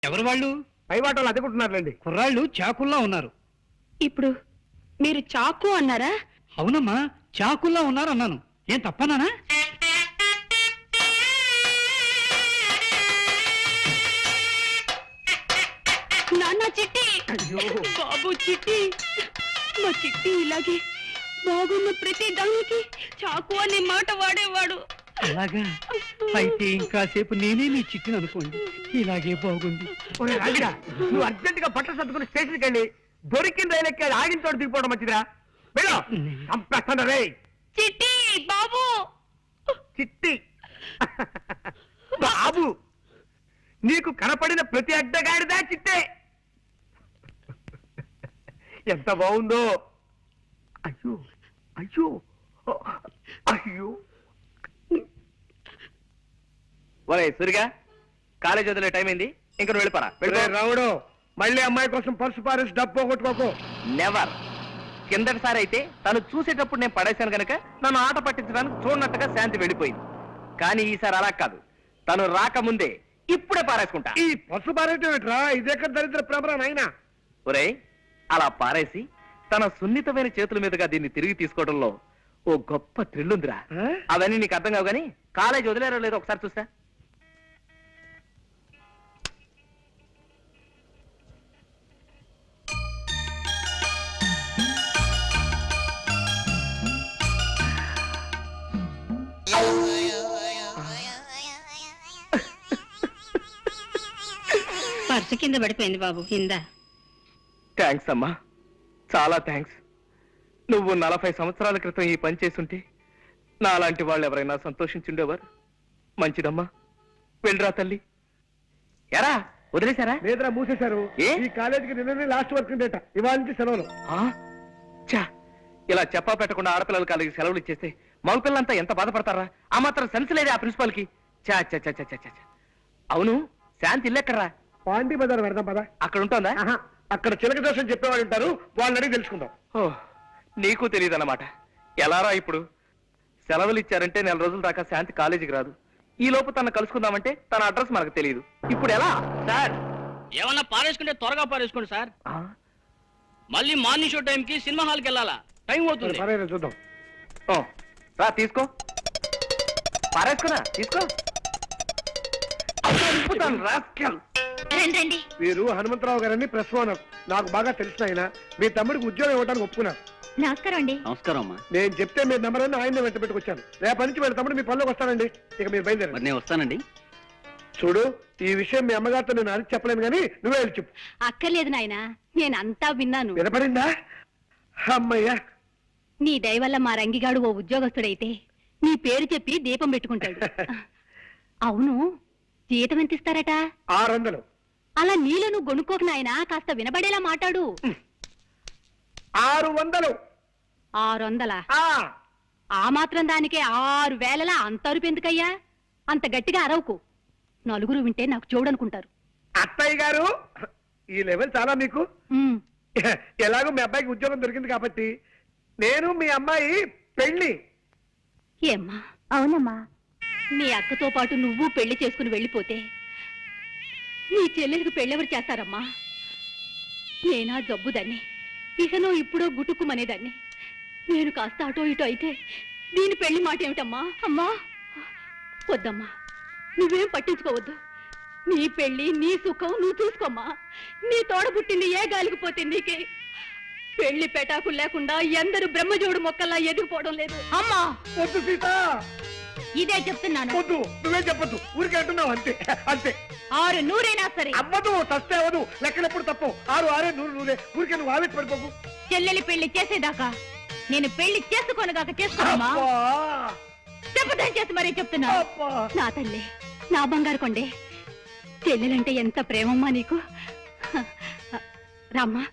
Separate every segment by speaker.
Speaker 1: ఎవరు వాళ్ళు?
Speaker 2: పైవాటలు అదుకుంటున్నారులేండి.
Speaker 1: కుర్రాళ్ళు చాకుల్లా ఉన్నారు.
Speaker 3: ఇప్పుడు మీరు చాకు అన్నారా?
Speaker 1: అవునమ్మా, చాకుల్లా ఉన్నారు అన్నాను. ఏం తప్పనానా?
Speaker 3: నాన్న చిట్టి, బాబు చిట్టి, మా చిట్టి ఇలాగే బాగున్న ప్రతి దానికి చాకు అనే మాట వాడేవాడు.
Speaker 1: అలాగా? అయితే ఇంకాసేపు నేనే నీ చిట్టిని అనుకోండి. ఇలాగే బాగుంది.
Speaker 2: నువ్వు అర్జెంట్ గా బట్టలు సర్దుకుని స్టేషన్కి వెళ్ళి దొరికిన రైలు ఎక్కి అది ఆగిన చోట దిగిపోవడం మంచిదిరా. వెళ్ళు, చంపేస్తాను రే.
Speaker 3: చిట్టి బాబు,
Speaker 2: చిట్టి బాబు, నీకు కనపడిన ప్రతి అడ్డగాడిదా చిట్టే. ఎంత బాగుందో. అయ్యో అయ్యో అయ్యో.
Speaker 4: ఒరే సురిగా, కాలేజ్ వదిలే టైం అయింది, ఇంక నువ్వు వెళ్ళిపోరా.
Speaker 2: రావుడు, మళ్ళీ అమ్మాయి కోసం పర్సు పారేసి డబ్బు పోగొట్టుకోకు.
Speaker 4: నెవర్. కిందటిసారి అయితే తను చూసేటప్పుడు నేను పడేశాను కనుక నన్ను ఆట పట్టించడానికి చూడనట్టుగా శాంతి వెళ్ళిపోయింది. కానీ ఈసారి అలా కాదు, తను రాకముందే ఇప్పుడే పారేసుకుంటా.
Speaker 2: ఈ పర్సు పారేయటం ఏంట్రా? ఇదెక్కడ దరిద్ర ప్రమరా నాయనా.
Speaker 4: ఒరే, అలా పారేసి తన సున్నితమైన చేతుల మీదుగా దీన్ని తిరిగి తీసుకోవడంలో ఓ గొప్ప థ్రిల్ ఉందిరా. అవన్నీ నీకు అర్థం కావు గానీ కాలేజ్ వదిలేరో లేదో ఒకసారి చూస్తా.
Speaker 3: పర్సు కింద పడిపోయింది బాబు. కింద.
Speaker 4: థ్యాంక్స్ అమ్మా, చాలా థ్యాంక్స్. నువ్వు 40 సంవత్సరాల క్రితం ఈ పని చేసుంటే నాలాంటి వాళ్ళు ఎవరైనా సంతోషించుండేవారు. మంచిదమ్మా, వెళ్ళరా తల్లి. ఎరా వదిలేశారా?
Speaker 2: లేదురా, మూసేశారు.
Speaker 4: ఏ?
Speaker 2: ఈ కాలేజీకి నిన్ననే లాస్ట్ వర్క్ డేట, ఇవాళ నుంచి సెలవులు.
Speaker 4: చా, ఇలా చెప్పా పెట్టకుండా ఆడపిల్లల కాలేజీకి సెలవులు ఇచ్చేస్తే మగపిల్లలంతా ఎంత బాధపడతారా? ఆ మాత్రం సెన్స్ లేదే ఆ ప్రిన్సిపాల్ కి. చా చా చా చా చా. అవును, శాంతి ఇల్లెక్కడరా?
Speaker 2: పాండి బజార్ పెడదాం పదా.
Speaker 4: అక్కడ ఉంటుందా?
Speaker 2: అక్కడ చిలక దోషం చెప్పేవాళ్ళు ఉంటారు, వాళ్ళని అడిగి తెలుసుకుందాం.
Speaker 4: ఓ, నీకు తెలియదన్నమాట. ఎలారా ఇప్పుడు? సెలవులు ఇచ్చారంటే 4 రోజుల దాకా శాంతి కాలేజీకి రాదు. ఈ లోపు తన కలుసుకుందామంటే తన అడ్రస్ మనకు తెలియదు. ఇప్పుడు ఎలా
Speaker 5: సార్? ఏమన్నా పారేసుకుంటే త్వరగా పారేసుకోండి సార్. మళ్ళీ మార్నింగ్ షో టైంకి సినిమా హాల్కి వెళ్ళాలా, టైం అవుతుంది.
Speaker 2: సరే చూద్దాం.
Speaker 4: ఓ, రా తీసుకో. పారేసుకున్నా, తీసుకో.
Speaker 3: రండి.
Speaker 2: వీరు హనుమంతరావు గారని ప్రెస్ ఓనర్. నాకు బాగా తెలిసిన ఆయన. మీ తమ్ముడికి ఉద్యోగం ఇవ్వడానికి ఒప్పుకున్నారు.
Speaker 3: నమస్కారం అండి.
Speaker 5: నమస్కారం అమ్మా.
Speaker 2: నేను చెప్తే మీ నెంబర్ అని ఆయన వెంట పెట్టుకొచ్చాను. రేపటి నుంచి వీళ్ళ తమ్ముడు మీ పనిలోకి వస్తానండి. ఇక మీరు బయలుదేరండి.
Speaker 5: నేను వస్తానండి.
Speaker 2: చూడు, ఈ విషయం మీ అమ్మగారితో నేను అడిగి చెప్పలేను కానీ నువ్వే వెళ్ళి చెప్పు.
Speaker 3: అక్కర్లేదు నాయన, నేను అంతా విన్నాను.
Speaker 2: వినపడిందా? అమ్మయ్యా,
Speaker 3: నీ దయ వల్ల మా రంగిగాడు ఓ ఉద్యోగస్తుడైతే నీ పేరు చెప్పి దీపం పెట్టుకుంటాడు. అవును, జీతం ఎంత ఇస్తారట?
Speaker 2: 600.
Speaker 3: అలా నీలో నువ్వు గొనుక్కోక నాయనా, కాస్త వినబడేలా మాట్లాడు.
Speaker 2: 600.
Speaker 3: 600? ఆ మాత్రం దానికే 6000 అంత అరుపు ఎందుకయ్యా? అంత గట్టిగా అరవకు, నలుగురు వింటే నాకు చూడనుకుంటారు.
Speaker 2: అత్తయ్య గారు, ఈ లెవెల్ చాలా మీకు. ఎలాగో మీ అబ్బాయికి ఉద్యోగం దొరికింది కాబట్టి నేను మీ అమ్మాయి పెళ్లి.
Speaker 3: ఏమ్మా? అవునమ్మా. నీ అక్కతో పాటు నువ్వు పెళ్లి చేసుకుని వెళ్ళిపోతే నీ చెల్లెలకు పెళ్ళెవరు చేస్తారమ్మా? నేనా జబ్బుదాన్ని, ఇకనో ఇప్పుడో గుటుక్కుమనేదాన్ని. నేను కాస్త అటో ఇటో అయితే దీని పెళ్లి మాట ఏమిటమ్మా? అమ్మా వద్దమ్మా, నువ్వేం పట్టించుకోవద్దు. నీ పెళ్లి నీ సుఖం నువ్వు చూసుకోమ్మా. నీ తోడబుట్టింది ఏ గాలికి పోతే నీకే. పెళ్లి పెటాకులు లేకుండా ఎందరు బ్రహ్మజోడు మొక్కల్లా ఎదిగిపోవడం లేదు. అమ్మా
Speaker 2: వద్దు సీత,
Speaker 3: ఇదే చెప్తున్నాను.
Speaker 2: వద్దు, నువ్వే చెప్పొద్దు. ఊరికే అంటున్నావు అంతే. అంతే.
Speaker 3: 600 సరే.
Speaker 2: అవ్వదు, తస్తే అవ్వదు. లెక్కలెప్పుడు తప్పు. 6 6 100 100. ఊరికే నువ్వు ఆవేశ పడిపోకు.
Speaker 3: చెల్లెలి పెళ్లి చేసేదాకా నేను పెళ్లి చేసుకోనుగాక చేసుకోమా? చెప్పదని చేసి మరీ చెప్తున్నా. నా తల్లి, నా బంగారు కొండే, చెల్లెలంటే ఎంత ప్రేమమ్మా నీకు. రామ్మా.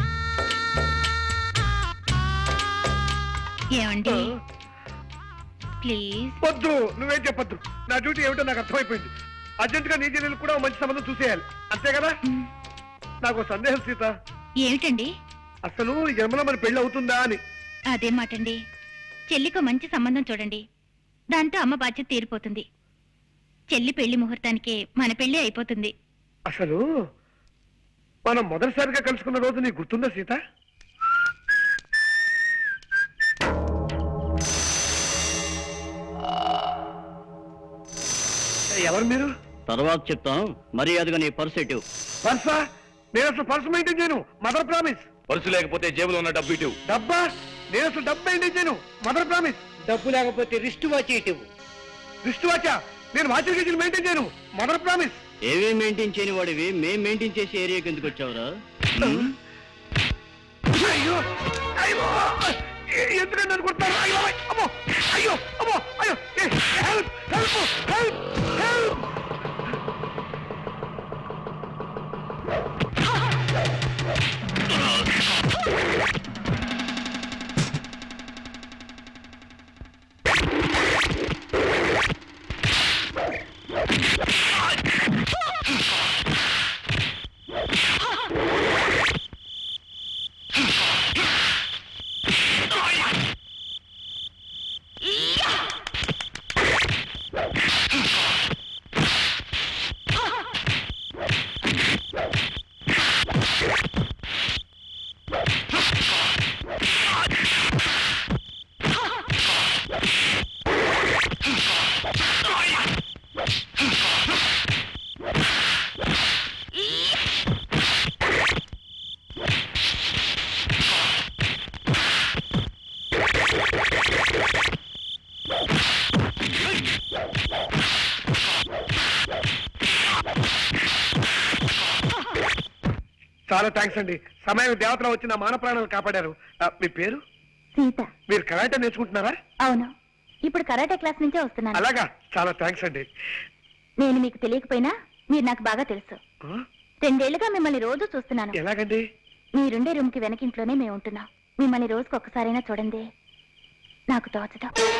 Speaker 3: ఏమండి ప్లీజ్?
Speaker 2: వద్దు, నువ్వేం చెప్పొద్దు. నా డ్యూటీ ఏమిటో నాకు అర్థమైపోయింది. అర్జెంట్ గా నీ చెల్లెలు కూడా మంచి సంబంధం చూసేయాలి, అంతే కదా? నాకు సందేహం సీత.
Speaker 3: ఏమిటండి?
Speaker 2: అసలు ఈ జన్మలో మన పెళ్లి అవుతుందా అని.
Speaker 3: అదే మాటండి. చెల్లికి మంచి సంబంధం చూడండి, దాంతో అమ్మ బాధ్యత తీరిపోతుంది. చెల్లి పెళ్లి ముహూర్తానికే మన పెళ్లి అయిపోతుంది.
Speaker 2: అసలు మనం మొదటిసారిగా కలుసుకున్న రోజు నీకు గుర్తుందా సీత? ఎవరు మీరు?
Speaker 5: తర్వాత చెప్తాను, మర్యాదగా నీ పర్స్ ఎటు.
Speaker 2: పర్సా? నేను అసలు పర్సు మెయింటైన్ చేయను, మదర్ ప్రామిస్.
Speaker 4: పర్సు లేకపోతే జేబులో ఉన్న డబ్బు ఇటు.
Speaker 2: డబ్బా? నేను అసలు డబ్బు మెయింటైన్ చేయను, మదర్ ప్రామిస్.
Speaker 1: డబ్బు లేకపోతే రిస్ట్ వాచ్ ఇటు.
Speaker 2: రిస్ట్ వాచా? నేను వాచర్ గేజీలు మెయింటైన్ చేయను, మదర్ ప్రామిస్.
Speaker 5: ఏవే మెయింటైన్ చేయని వాడివి మేం మెయింటైన్ చేసే ఏరియాకి ఎందుకు వచ్చావురా?
Speaker 2: అయ్యో అయ్యో ఎందుకంటే నన్ను కొడతారు? అయ్యో అమ్మో అయ్యో అమ్మో అయ్యో హెల్ప్ హెల్ప్ హెల్ప్ హెల్ప్. చాలా థ్యాంక్స్ అండి. సమయం దేవతలో వచ్చి నా మాన ప్రాణాలు కాపాడారు. మీ పేరు?
Speaker 3: సీత.
Speaker 2: మీరు కరాటే నేర్చుకుంటున్నారా?
Speaker 3: అవును, ఇప్పుడు కరాటే క్లాస్ నుంచే వస్తున్నాను.
Speaker 2: అలాగా, చాలా థ్యాంక్స్ అండి.
Speaker 3: నేను మీకు తెలియకపోయినా మీరు నాకు బాగా తెలుసు. 2 ఏళ్లుగా మిమ్మల్ని రోజు చూస్తున్నాను.
Speaker 2: ఎలాగండి?
Speaker 3: మీరుండే రూమ్ కి వెనకింట్లోనే మేము ఉంటున్నాం. మిమ్మల్ని రోజుకు ఒక్కసారైనా చూడండి నాకు తోచదు.